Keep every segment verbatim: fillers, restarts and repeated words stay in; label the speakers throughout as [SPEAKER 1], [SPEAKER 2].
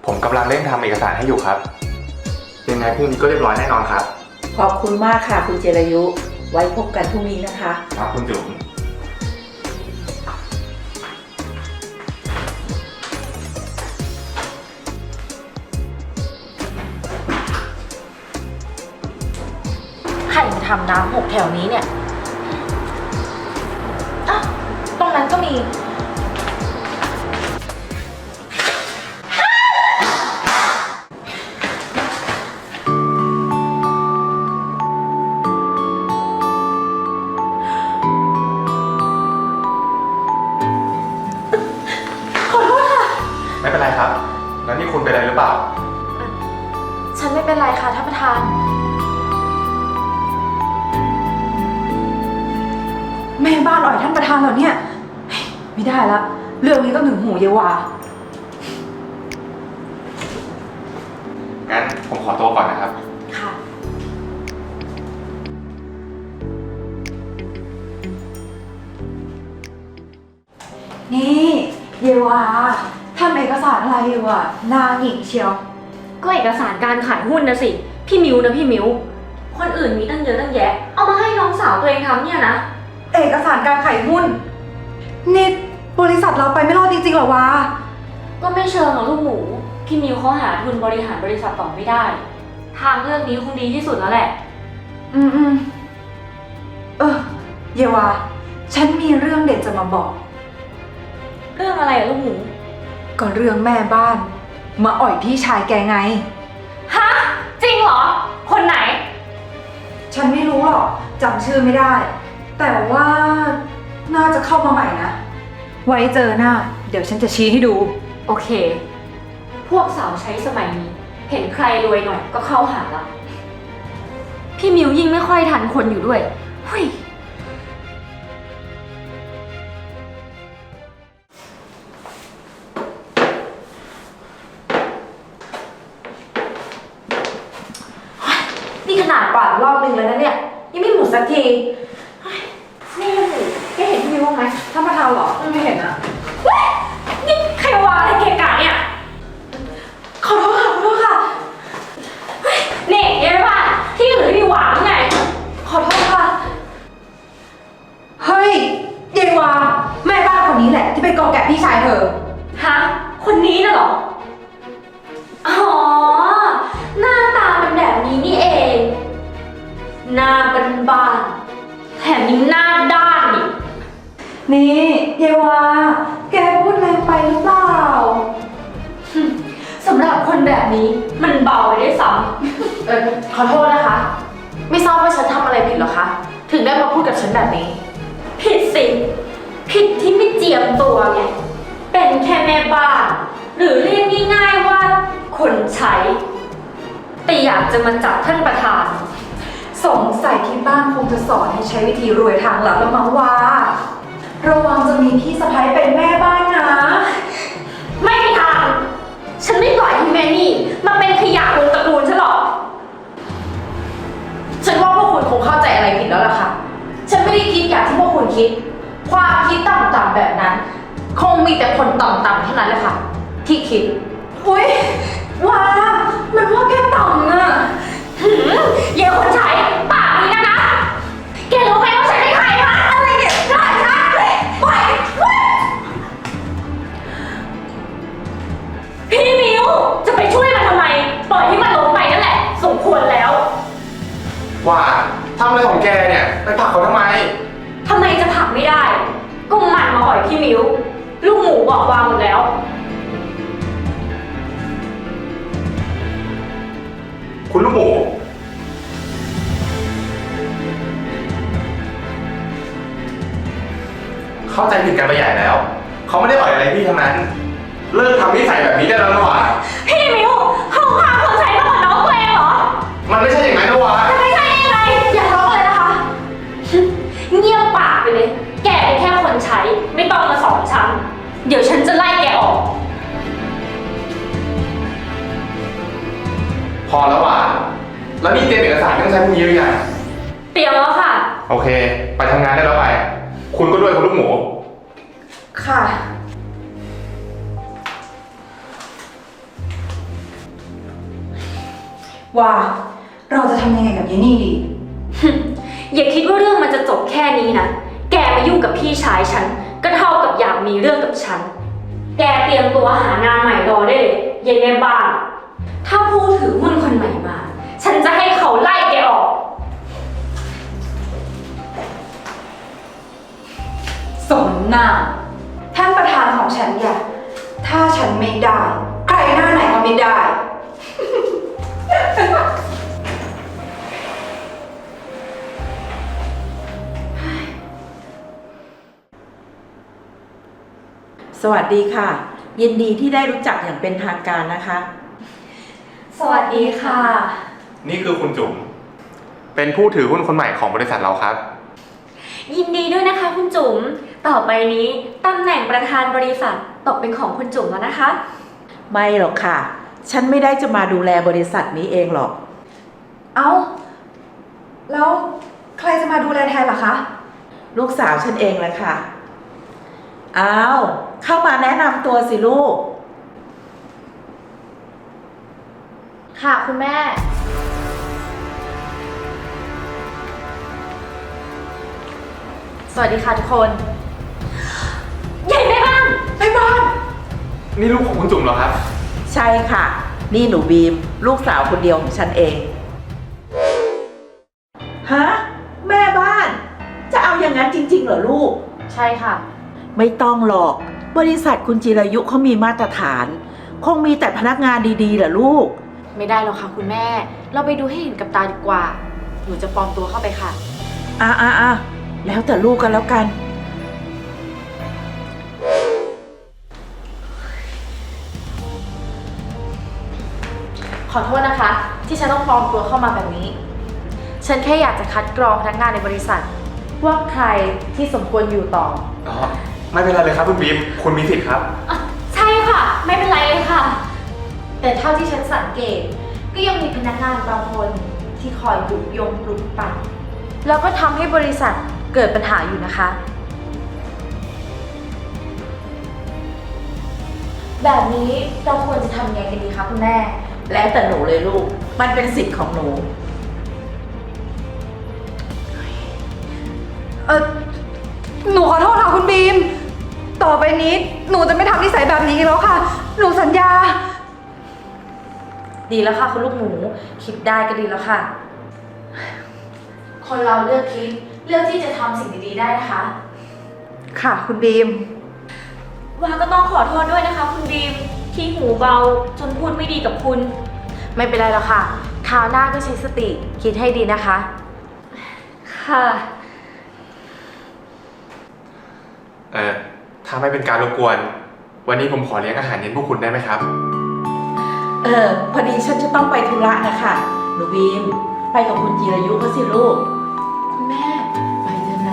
[SPEAKER 1] ผมกำลังเร่งทำเอกสารให้อยู่ครับยังไงพรุ่งนี้ก็เรียบร้อยแน่นอนครับ
[SPEAKER 2] ขอบคุณมากค่ะคุณเจรายุไว้พบกันพรุ่งนี้นะคะ
[SPEAKER 1] ครับคุณจุ๋ม
[SPEAKER 3] ใครมาทำน้ำหกแถวนี้เนี่ยอ้าวตรงนั้นก็มี
[SPEAKER 1] ไม่เป็นไรครับแล้วนี่คุณเป็นอะไรหรือเปล่า
[SPEAKER 3] ฉันไม่เป็นไรค่ะท่านประธาน
[SPEAKER 4] แม่บ้านอ่อยท่านประธานเหรอเนี่ยไม่ได้ละเรื่องนี้ต้องถึงหูเยวา
[SPEAKER 1] งั้นผมขอตัวก่อนนะครับ
[SPEAKER 3] ค่ะ
[SPEAKER 4] นี่เยวาทำเอกสารอะไรอยู่อ่ะนางหญิงเชียว
[SPEAKER 3] ก็เอกสารการขายหุ้นนะสิพี่มิวนะพี่มิวคนอื่นมีตั้งเยอะตั้งแยะเอามาให้น้องสาวตัวเองทำเนี่ยนะ
[SPEAKER 4] เอกสารการขายหุ้นนี่บริษัทเราไปไม่รอดจริงๆหรอวะ
[SPEAKER 3] ก็ไม่เชิงหรอกลูกหมูพี่มิวเขาหาทุนบริหารบริษัทต่อไม่ได้ทางเลือกนี้คงดีที่สุดแล้วแหละ
[SPEAKER 4] อืมอืมเออเยวาฉันมีเรื่องเด็ดจะมาบอก
[SPEAKER 3] เรื่องอะไรอะลูกหมู
[SPEAKER 4] ก็เรื่องแม่บ้านมาอ่อยพี่ชายแกไง
[SPEAKER 3] ฮะจริงเหรอคนไหน
[SPEAKER 4] ฉันไม่รู้หรอกจำชื่อไม่ได้แต่ว่าน่าจะเข้ามาใหม่นะไว้เจอหน้าเดี๋ยวฉันจะชี้ให้ดู
[SPEAKER 3] โอเคพวกสาวใช้สมัยนี้เห็นใครรวยหน่อยก็เข้าหาละพี่มิวยิ่งไม่ค่อยทันคนอยู่ด้วยเฮ้ยนี่ขนาดกวาดรอบนึงแล้วนะเนี่ยยังไม่หมดสักทีนี่สิแกเห็นพี่มิวบ้างไหมท่านประธานเหรอไม่เห็นอะเว้ยนี่ใครวางอะไรเกะกะเนี่ยขอโทษค่ะขอโทษค่ะเฮ้ยนี่ยังไม่ว่าที่อื่นไม่มีวางไงขอโทษค่ะ
[SPEAKER 4] เฮ้ยเยวาแม่บ้านคนนี้แหละที่ไปกอแกะพี่ชายเธอ
[SPEAKER 3] ฮะคนนี้น่ะเหรออ๋อหน้าตาเป็นแบบนี้นี่เองหน้าบานๆแถมยังหน้าด้านอีก
[SPEAKER 4] นี่เยวาแกพูดแรงไปหรือเปล่า
[SPEAKER 3] สำหรับคนแบบนี้มันเบาไปได้ซ้ำเออขอโทษนะคะไม่ทราบว่าฉันทำอะไรผิดหรอคะถึงได้มาพูดกับฉันแบบนี้ผิดสิผิดที่ไม่เจียมตัวไงเป็นแค่แม่บ้านหรือเรียกง่ายๆว่าคนใช้แต่อยากจะมาจับท่านประธาน
[SPEAKER 4] สงสัยที่บ้านคงจะสอนให้ใช้วิธีรวยทางหลังแล้วมั้งว่าระวังจะมีพี่สะใภ้เป็นแม่บ้านนะ
[SPEAKER 3] ไม่มีทางฉันไม่ปล่อยให้แม่นี่มาเป็นขยะวงตระกูลฉันหรอกฉันว่าพวกคุณคงเข้าใจอะไรผิดแล้วล่ะค่ะฉันไม่ได้คิดอย่างที่พวกคุณคิดความคิดต่ำๆแบบนั้นคงมีแต่คนต่ำๆเท่านั้นแหละค่ะที่คิด
[SPEAKER 4] อุ๊ยว้ามันว่าแกต่ำน่ะ
[SPEAKER 3] หืมเยี่ยคนใช้ปากนี้นะนะแกรู้ไหมว่าฉันเป็นใครวะอะไรเนี่ยได้ค่ะปล่อยพี่มิวจะไปช่วยมันทำไมปล่อยให้มันลงไปนั่นแหละสมควรแล้ว
[SPEAKER 1] ว่าทำอะไรของแกเนี่ยไปผลักเขาทำไม
[SPEAKER 3] ทำไมจะผลักไม่ได้ก็มันมาอ่อยพี่มิวลูกหมูบอกวางหมดแล้ว
[SPEAKER 1] คุณลูกหมูเข้าใจผิดกันไปใหญ่แล้วเขาไม่ได้อ่อยอะไรพี่ทั้งนั้นเลิกทำนิสัยแบบนี้ได้แล้วนะวะ
[SPEAKER 3] พี่มิวเขาพาคนใช้มาก่อนน้องตัวเองเหรอ
[SPEAKER 1] มันไม่ใช่อย่างนั้นนะวะ
[SPEAKER 3] จะไม่ใช่ยังไงอย่าร้องเลยนะคะเงียบปากไปเลยแกเป็นแค่คนใช้ไม่ต้องมาสอนฉันเดี๋ยวฉันจะไล่แกออก
[SPEAKER 1] พอแล้ววะแล้วนี่เตรียมเอกสารต้องใช้พวกนี้หรือยัง
[SPEAKER 3] เตรียมแล้วค่ะ
[SPEAKER 1] โอเคไปทำงานได้แล้วไปคุณก็ด้วยคุณลูกหมู
[SPEAKER 4] ค่ะว่าเราจะทำยังไงกับเยนี่ดี
[SPEAKER 3] อย่าคิดว่าเรื่องมันจะจบแค่นี้นะ แกมายุ่งกับพี่ชายฉัน ก็เท่ากับอยากมีเรื่องกับฉัน แกเตรียมตัวหางานใหม่รอได้เลยยายแม่บ้าน ถ้าผู้ถือหุ้นคนใหม่มา ฉันจะให้เขาไล่แกออก
[SPEAKER 4] สมหน้าท่านประธานของฉันอย่าถ้าฉันไม่ได้ ใครหน้าไหนก็ไม่ได้
[SPEAKER 2] สวัสดีค่ะ ยินดีที่ได้รู้จักอย่างเป็นทางการนะคะ
[SPEAKER 3] สวัสดีค่ะ
[SPEAKER 1] นี่คือคุณจุ๋มเป็นผู้ถือหุ้นคนใหม่ของบริษัทเราครับ
[SPEAKER 3] ยินดีด้วยนะคะคุณจุ๋ม ต่อไปนี้ตำแหน่งประธานบริษัทตกเป็นของคุณจุ๋มแล้วนะคะ
[SPEAKER 2] ไม่หรอกค่ะ ฉันไม่ได้จะมาดูแลบริษัทนี้เองหรอก
[SPEAKER 4] เอ้า แล้วใครจะมาดูแลแทนล่ะคะ
[SPEAKER 2] ลูกสาวฉันเองแหละค่ะ อ้าว เข้ามาแนะนำตัวสิลูก
[SPEAKER 3] ค่ะคุณแม่ สวัสดีค่ะทุกคนใหญ่แม่บ้าน
[SPEAKER 4] ไอ้บ้าน
[SPEAKER 1] นี่ลูกของคุณจุ๋มเหรอครับ
[SPEAKER 2] ใช่ค่ะ นี่หนูบีม ลูกสาวคนเดียวของฉันเอง ฮะ แม่บ้าน จะเอาอย่างนั้นจริงๆเหรอลูก
[SPEAKER 3] ใช่ค่ะ
[SPEAKER 2] ไม่ต้องหรอก บริษัทคุณจิรายุเขามีมาตรฐาน คงมีแต่พนักงานดีๆเหรอลูก
[SPEAKER 3] ไม่ได้หรอกค่ะคุณแม่ เราไปดูให้เห็นกับตาดีกว่า หนูจะปลอมตัวเข้าไปค่ะ
[SPEAKER 2] อ่ะอ่ะอ่ะแล้วแต่ลูกกันแล้วกัน
[SPEAKER 3] ขอโทษนะคะ ที่ฉันต้องปลอมตัวเข้ามาแบบนี้ ฉันแค่อยากจะคัดกรองพนักงานในบริษัท ว่าใครที่สมควรอยู่ต่อ
[SPEAKER 1] อ๋อ ไม่เป็นไรเลยครับคุณบีม คุณมีสิทธิ์ครับ
[SPEAKER 3] อ่ะใช่ค่ะ ไม่เป็นไรเลยค่ะ แต่เท่าที่ฉันสังเกต ก็ยังมีพนักงานบางคนที่คอยยุยงปลุกปั่นแล้วก็ทำให้บริษัทเกิดปัญหาอยู่นะคะ แบบนี้เราควรจะทำยังไงกันดีคะคุณแม่
[SPEAKER 2] แล้วแต่หนูเลยลูก มันเป็นสิทธิ์ของหนู
[SPEAKER 4] เออหนูขอโทษค่ะคุณบีม ต่อไปนี้หนูจะไม่ทำนิสัยแบบนี้อีกแล้วค่ะ หนูสัญญา
[SPEAKER 3] ดีแล้วค่ะคุณลูกหมูคิดได้ก็ดีแล้วค่ะ คนเราเลือกคิดเลือกที่จะทำสิ่งดีๆได้นะคะ
[SPEAKER 4] ค่ะคุณบีม
[SPEAKER 3] วาก็ต้องขอโทษด้วยนะคะ คุณบีมที่หูเบาจนพูดไม่ดีกับคุณ ไม่เป็นไรหรอกค่ะคราวหน้าก็ใช้สติคิดให้ดีนะคะ ค่ะ
[SPEAKER 1] เออถ้าไม่เป็นการรบกวน วันนี้ผมขอเลี้ยงอาหารเย็นพวกคุณได้ไหมครับ
[SPEAKER 2] เออ พอดีฉันจะต้องไปธุระนะคะหนูบีม ไปกับคุณจิรายุเขาสิลูก
[SPEAKER 3] คุณแม่
[SPEAKER 2] ไปเถอะนะ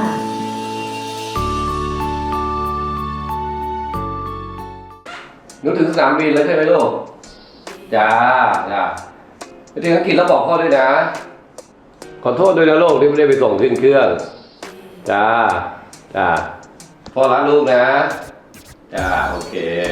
[SPEAKER 5] หนูถึงสนามบินแล้วใช่ไหมลูก จ้า จ้าไปถึงอังกฤษแล้วบอกพ่อด้วยนะ ขอโทษด้วยนะลูกที่ไม่ได้ไปส่งขึ้นเครื่อง จ้า จ้า พ่อรักลูกนะ จ้า โอเค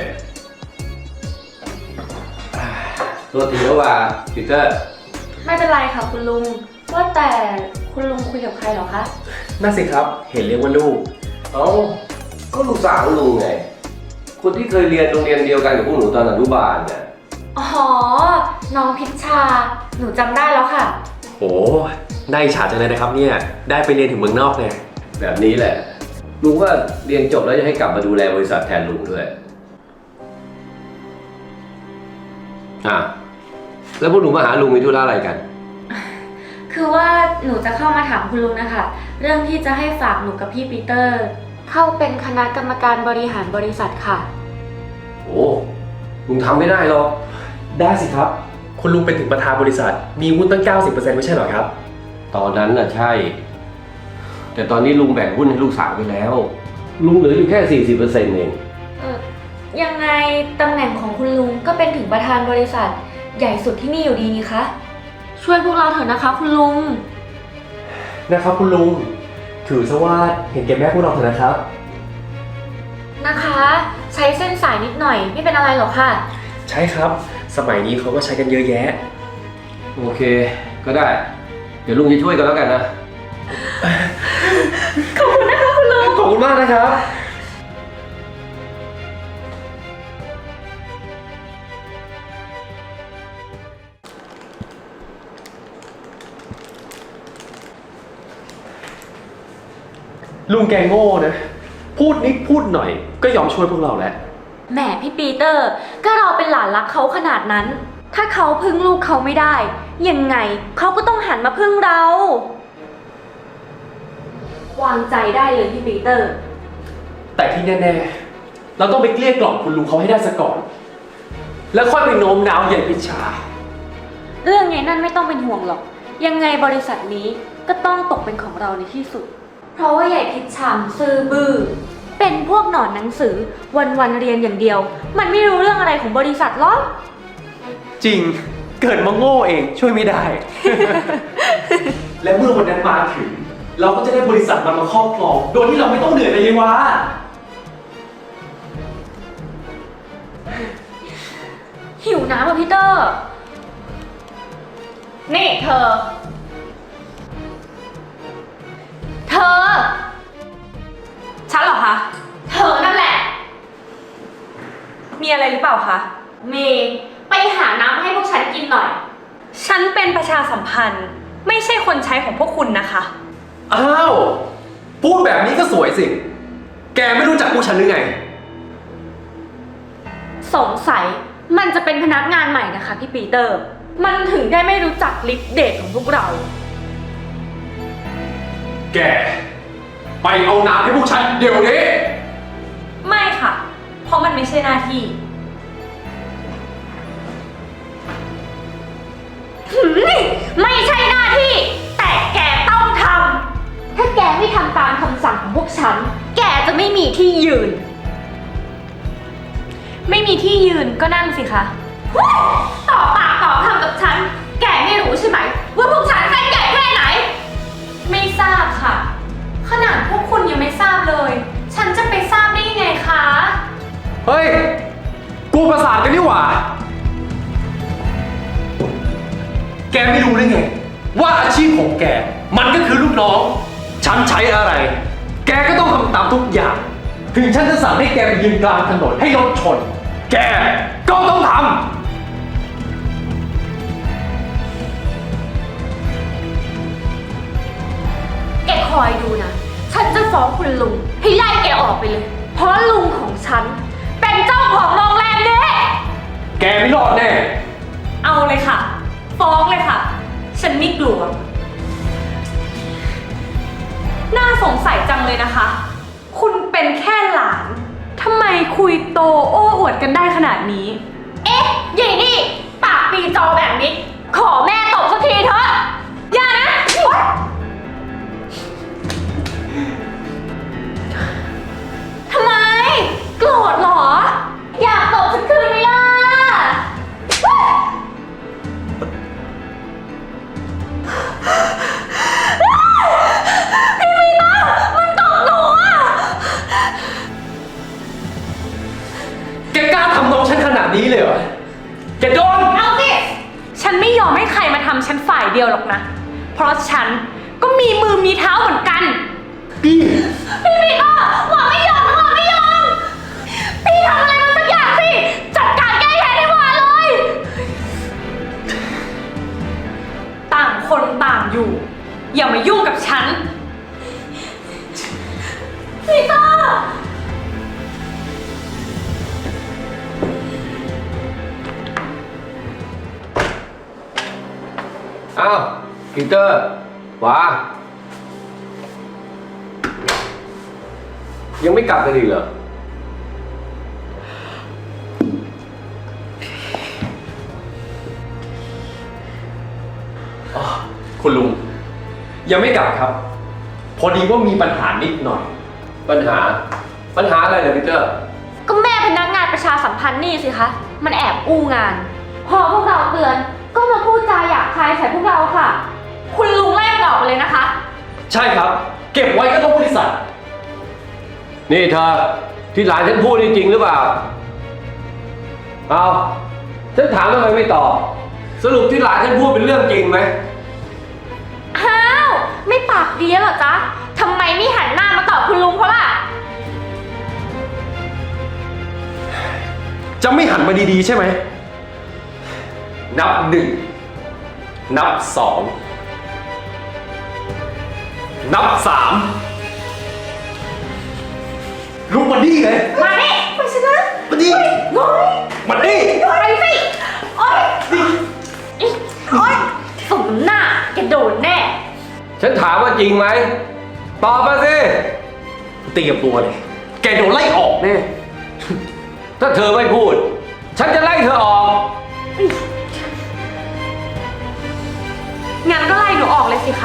[SPEAKER 5] ตัวทีแล้วว่าปีเตอร์
[SPEAKER 3] ไม่เป็นไรค่ะคุณลุง ว่าแต่คุณลุงคุยกับใครเหรอคะ
[SPEAKER 6] น่าสิครับ เห็นเรียกว่าลูก
[SPEAKER 5] เอ้า ก็ลูกสาวลุงไง คนที่เคยเรียนโรงเรียนเดียวกันกับพวกหนูตอนอนุบาลเนี่ย
[SPEAKER 3] อ๋อ น้องพิชชา หนูจำได้แล้วค่ะ
[SPEAKER 6] โอ้ได้อิจฉาจังเลยนะครับเนี่ย ได้ไปเรียนถึงเมืองนอกเนี่ย
[SPEAKER 5] แบบนี้แหละ ลุงว่าเรียนจบแล้วจะให้กลับมาดูแลบริษัทแทนลุงด้วย อ่ะ แล้วพวกหนูมาหาลุงมีธุระอะไรกัน
[SPEAKER 3] คือว่าหนูจะเข้ามาถามคุณลุงนะคะ เรื่องที่จะให้ฝากหนูกับพี่ปีเตอร์ เข้าเป็นคณะกรรมการบริหารบริษัทค่ะ
[SPEAKER 5] โอ้ลุงทำไม่ได้หรอก
[SPEAKER 6] ได้สิครับ คุณลุงเป็นถึงประธานบริษัท มีหุ้นตั้ง เก้าสิบเปอร์เซ็นต์ ไม่ใช่เหรอครับ
[SPEAKER 5] ตอนนั้นน่ะใช่ แต่ตอนนี้ลุงแบ่งหุ้นให้ลูกสาวไปแล้ว ลุงเหลืออยู่แค่ สี่สิบเปอร์เซ็นต์ เอง
[SPEAKER 3] เออยังไงตำแหน่งของคุณลุงก็เป็นถึงประธานบริษัท ใหญ่สุดที่นี่อยู่ดีนี่คะ ช่วยพวกเราเถอะนะคะคุณลุง
[SPEAKER 6] นะครับคุณลุง ถือซะว่าเห็นแก่แม่พวกเราเถอะนะครับ
[SPEAKER 3] นะคะ ใช้เส้นสายนิดหน่อยไม่เป็นอะไรหรอกค่ะ
[SPEAKER 6] ใช่ครับ สมัยนี้เขาก็ใช้กันเยอะแยะ
[SPEAKER 5] โอเค ก็ได้ เดี๋ยวลุงจะช่วยกันแล้วกันนะ
[SPEAKER 6] ขอบคุณมากนะครับ ลุงแกโง่นะ พูดนิดพูดหน่อยก็ยอมช่วยพวกเราแล้ว
[SPEAKER 3] แหมพี่ปีเตอร์ ก็เราเป็นหลานรักเขาขนาดนั้น ถ้าเขาพึ่งลูกเขาไม่ได้ ยังไงเขาก็ต้องหันมาพึ่งเรา วางใจได้เลยพี่ปีเตอร์
[SPEAKER 6] แต่ที่แน่ๆ เราต้องไปเกลี้ยกล่อมคุณลุงเขาให้ได้ซะก่อน แล้วค่อยไปโน้มน้าวใหญ่พิชา
[SPEAKER 3] เรื่องไงนั่นไม่ต้องเป็นห่วงหรอก ยังไงบริษัทนี้ก็ต้องตกเป็นของเราในที่สุด เพราะว่าใหญ่พิชามซื่อบื้อ เป็นพวกหนอนหนังสือวันๆเรียนอย่างเดียว มันไม่รู้เรื่องอะไรของบริษัทหรอก
[SPEAKER 6] จริง เกิดมาโง่เองช่วยไม่ได้ และเมื่อวันนั้นมาถึง เราก็จะได้บริษัทมันมาครอบครอง โดยที่เราไม่ต้องเหนื่อยเลยยวะ
[SPEAKER 3] หิวน้ำอ่ะพี่เตอร์ นี่เธอ เธอ
[SPEAKER 7] ฉันเหรอคะ
[SPEAKER 3] เธอนั่นแหละ
[SPEAKER 7] มีอะไรหรือเปล่าคะ
[SPEAKER 3] เมย์ไปหาน้ำให้พวกฉันกินหน่อย
[SPEAKER 7] ฉันเป็นประชาสัมพันธ์ ไม่ใช่คนใช้ของพวกคุณนะคะ
[SPEAKER 6] อ้าว พูดแบบนี้ก็สวยสิ แกไม่รู้จักพวกฉันหรือไง
[SPEAKER 3] สงสัยมันจะเป็นพนักงานใหม่นะคะพี่ปีเตอร์ มันถึงได้ไม่รู้จักลิฟต์เดทของพวกเรา
[SPEAKER 6] แก ไปเอาน้ำให้พวกฉันเดี๋ยวนี้
[SPEAKER 7] ไม่ค่ะ เพราะมันไม่ใช่หน้าที่
[SPEAKER 3] หืมไม่ใช่หน้าที่ แต่แกต้องทำ ถ้าแกไม่ทำตามคำสั่งของพวกฉัน แกจะไม่มีที่ยืน
[SPEAKER 7] ไม่มีที่ยืนก็นั่งสิคะ
[SPEAKER 3] ต่อปากต่อคำกับฉัน แกไม่รู้ใช่ไหมว่าพวกฉันเส้นใหญ่แค่ไหน
[SPEAKER 7] ไม่ทราบค่ะ ขนาดพวกคุณยังไม่ทราบเลย ฉันจะไปทราบได้ยังไงคะ
[SPEAKER 6] เฮ้ย กูประสาทกันนี่หว่า แกไม่รู้ได้ไง ว่าอาชีพของแก มันก็คือลูกน้อง ฉันใช้อะไร แกก็ต้องทำตามทุกอย่าง ถึงฉันจะสั่งให้แกไปยืนกลางถนนให้รถชน แกก็ต้องทำ
[SPEAKER 3] แกคอยดูนะ ฉันจะฟ้องคุณลุงให้ไล่แกออกไปเลย เพราะลุงของฉัน เป็นเจ้าของโรงแรมนี้
[SPEAKER 6] แกไม่รอดแน่
[SPEAKER 7] เอาเลยค่ะ ฟ้องเลยค่ะ ฉันไม่กลัว น่าสงสัยจังเลยนะคะ คุณเป็นแค่หลาน ทำไมคุยโตโอ้อวดกันได้ขนาดนี้
[SPEAKER 3] เอ๊ะยายนี่ ปากปีจอแบบนี้ ขอแม่ตบสักทีเถอะ อย่านะ ทำไม โกรธเหรอ อยากตบสักคืนไหมล่ะ พี่มีตามันตบหนูอ่ะ
[SPEAKER 6] แกกล้าทำน้องฉันขนาดนี้เลยเหรอ แกโดน
[SPEAKER 3] เอาสิ
[SPEAKER 7] ฉันไม่ยอมให้ใครมาทำฉันฝ่ายเดียวหรอกนะ เพราะฉันก็มีมือมีเท้าเหมือนกัน
[SPEAKER 6] พี่
[SPEAKER 3] พี่ปีเตอร์หวังไม่ยอมหวังไม่ยอม พี่ทำอะไรมันสักอย่างสิ จัดการแก้แค้นให้หวาเลย
[SPEAKER 7] ต่างคนต่างอยู่ อย่ามายุ่งกับฉัน
[SPEAKER 3] ปีเตอร์
[SPEAKER 5] อ้าวปีเตอร์ว้ายังไม่กลับกันอีกเหรอ
[SPEAKER 6] คุณลุง ยังไม่กลับครับ พอดีว่ามีปัญหานิดหน่อย
[SPEAKER 5] ปัญหา ปัญหาอะไรเนี่ยปีเตอร์
[SPEAKER 3] ก็แม่พนักงานประชาสัมพันธ์นี่สิคะ มันแอบอู้งาน พอพวกเราเตือน ก็มาพูดจาหยาบคายใส่พวกเราค่ะ คุณลุงไล่มันออกไปเลยนะคะ
[SPEAKER 6] ใช่ครับ เก็บไว้ก็ต้องบริษัท
[SPEAKER 5] นี่เธอที่หลานฉันพูดนี่จริงหรือเปล่า เอาฉันถามทำไมไม่ตอบ สรุปที่หลานฉันพูดเป็นเรื่องจริงไหม
[SPEAKER 3] อ้าว ไม่ปากดีแล้วเหรอจ๊ะทำไมไม่หันหน้ามาตอบคุณลุงเขาล่ะ
[SPEAKER 6] จะไม่หันมาดีๆใช่ไหม นับหนึ่ง นับสอง นับสามลุกมาดีเลย
[SPEAKER 3] มาดิไปชนะ
[SPEAKER 6] มาดี
[SPEAKER 3] โอ๊ย
[SPEAKER 6] มาดี
[SPEAKER 3] ไปสิโอ๊ยอิ๊ะโอ๊ยสมหน้าแกโดนแน่
[SPEAKER 5] ฉันถามว่าจริงไหม ตอบมาสิ
[SPEAKER 6] เตรียมตัวเลย แกโดนไล่ออกแน่
[SPEAKER 5] ถ้าเธอไม่พูด ฉันจะไล่เธอออก
[SPEAKER 7] งั้นก็ไล่หนูออกเลยสิคะ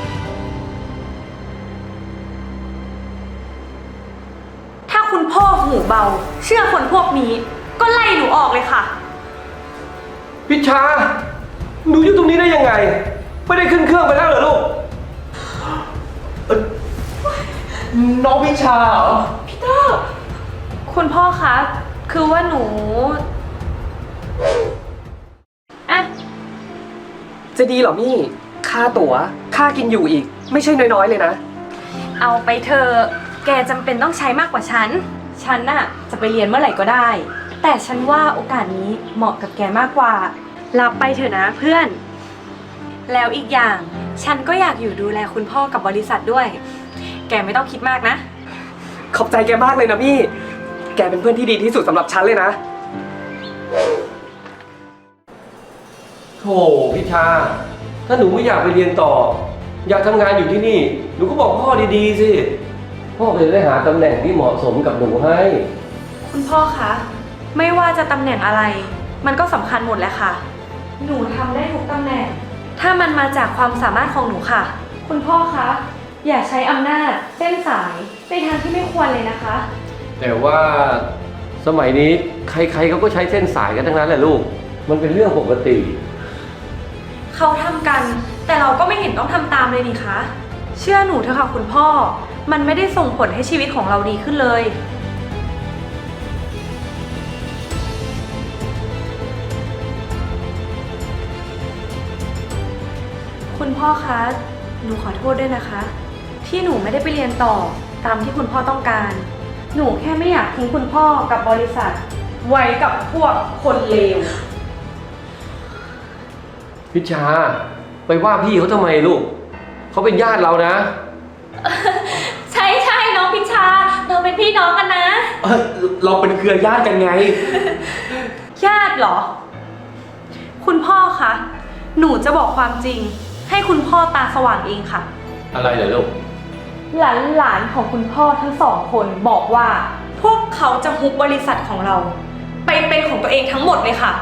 [SPEAKER 7] ถ้าคุณพ่อหูเบา เชื่อคนพวกนี้ ก็ไล่หนูออกเลยค่ะ
[SPEAKER 5] พิชา หนูอยู่ตรงนี้ได้ยังไง ไม่ได้ขึ้นเครื่องไปแล้วเหรอลูก
[SPEAKER 6] น้องวิชาเหรอ
[SPEAKER 7] คุณพ่อคะ คือว่าหนูอะ
[SPEAKER 8] จะดีเหรอมี่ ค่าตั๋ว ค่ากินอยู่อีก ไม่ใช่น้อยๆเลยนะ
[SPEAKER 7] เอาไปเธอะแกจำเป็นต้องใช้มากกว่าฉัน ฉันน่ะจะไปเรียนเมื่อไหร่ก็ได้ แต่ฉันว่าโอกาสนี้เหมาะกับแกมากกว่า รับไปเถอะนะเพื่อน แล้วอีกอย่าง ฉันก็อยากอยู่ดูแลคุณพ่อกับบริษัทด้วย แกไม่ต้องคิดมากนะ
[SPEAKER 8] ขอบใจแกมากเลยนะมี่ แกเป็นเพื่อนที่ดีที่สุดสำหรับฉันเลยนะ
[SPEAKER 5] โธ่พิชา ถ้าหนูไม่อยากไปเรียนต่อ อยากทำงานอยู่ที่นี่ หนูก็บอกพ่อดีๆสิ พ่อจะได้หาตำแหน่งที่เหมาะสมกับหนูให้
[SPEAKER 7] คุณพ่อคะ ไม่ว่าจะตำแหน่งอะไร มันก็สำคัญหมดแหละค่ะ หนูทำได้ทุกตำแหน่ง ถ้ามันมาจากความสามารถของหนูค่ะ คุณพ่อคะ อย่าใช้อำนาจเส้นสายในทางที่ไม่ควรเลยนะคะ
[SPEAKER 5] แต่ว่าสมัยนี้ใครๆเขาก็ใช้เส้นสายกันทั้งนั้นแหละลูก มันเป็นเรื่องปกติ
[SPEAKER 7] เขาทำกัน แต่เราก็ไม่เห็นต้องทำตามเลยนี่คะ เชื่อหนูเถอะค่ะคุณพ่อ มันไม่ได้ส่งผลให้ชีวิตของเราดีขึ้นเลย คุณพ่อคะ หนูขอโทษด้วยนะคะ ที่หนูไม่ได้ไปเรียนต่อตามที่คุณพ่อต้องการ หนูแค่ไม่อยากทิ้งคุณพ่อกับบริษัท ไว้กับพวกคนเลว
[SPEAKER 5] พิชา ไปว่าพี่เขาทำไมลูก เขาเป็นญาติเรานะ
[SPEAKER 3] ใช่ใช่น้องพิชา เราเป็นพี่น้องกันนะ
[SPEAKER 6] เอ้ยเราเป็นเครือญาติกันไง
[SPEAKER 7] ญาติเหรอ คุณพ่อคะ หนูจะบอกความจริง ให้คุณพ่อตาสว่างเองค่ะ
[SPEAKER 5] อะไรเหรอลูก
[SPEAKER 7] หลานหลานๆของคุณพ่อทั้งสองคนบอกว่า พวกเขาจะฮุบบริษัทของเรา ไปเป็นของตัวเองทั้งหมดเลยค่ะ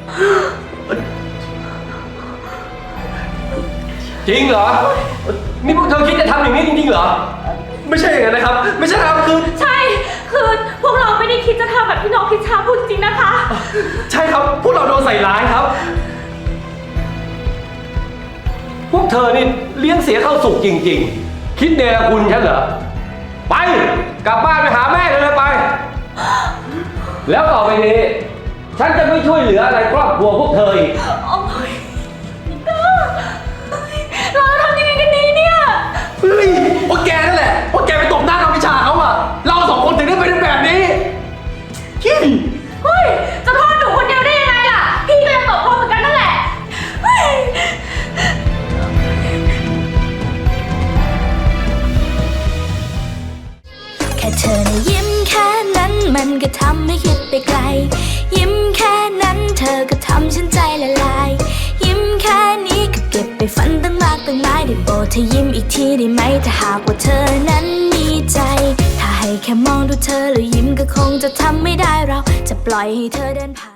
[SPEAKER 5] จริงเหรอ นี่พวกเธอคิดจะทำอย่างนี้จริงๆเหรอ
[SPEAKER 6] ไม่ใช่อย่างนั้นนะครับ ไม่ใช่ครับคือ
[SPEAKER 3] ใช่ คือพวกเราไม่ได้คิดจะทำแบบที่น้องพิชาพูดจริงนะคะ
[SPEAKER 6] ใช่ครับ พวกเราโดนใส่ร้ายครับ
[SPEAKER 5] พวกเธอนี่เลี้ยงเสียเข้าสุกจริงๆ คิดเนรคุณฉันเหรอ ไป กลับบ้านไปหาแม่เลยไป แล้วต่อไปนี้ ฉันจะไม่ช่วยเหลืออะไรครอบครัวพวกเธออีก
[SPEAKER 3] โอ๊ยนิก้าเราจะทำยังไงกันดีเนี่ย
[SPEAKER 6] เฮ้ยพวกแกนั่นแหละพวกแกไปตบหน้าน้องวิชาเขาอะเราสองคนถึงได้เป็นแบบนี้ขี้
[SPEAKER 3] เฮ้ย จะโทษหนูคนเดียวได้ยังไงล่ะ พี่ก็ยังตอบพ่อเหมือนกันนั่นแหละเฮ้ย
[SPEAKER 9] แค่เธอนะยิ้มแค่นั้นมันก็ทำให้คิดไปไกล ยิ้มแค่นั้นเธอก็ทำฉันใจละลาย ยิ้มแค่นี้ก็เก็บไปฝันตั้งมากตั้งหลายได้โปรดเธอยิ้มอีกทีได้ไหมถ้าหากว่าเธอนั้นมีใจ ถ้าให้แค่มองดูเธอแล้วยิ้มก็คงจะทำไม่ได้เราจะปล่อยให้เธอเดินผ่าน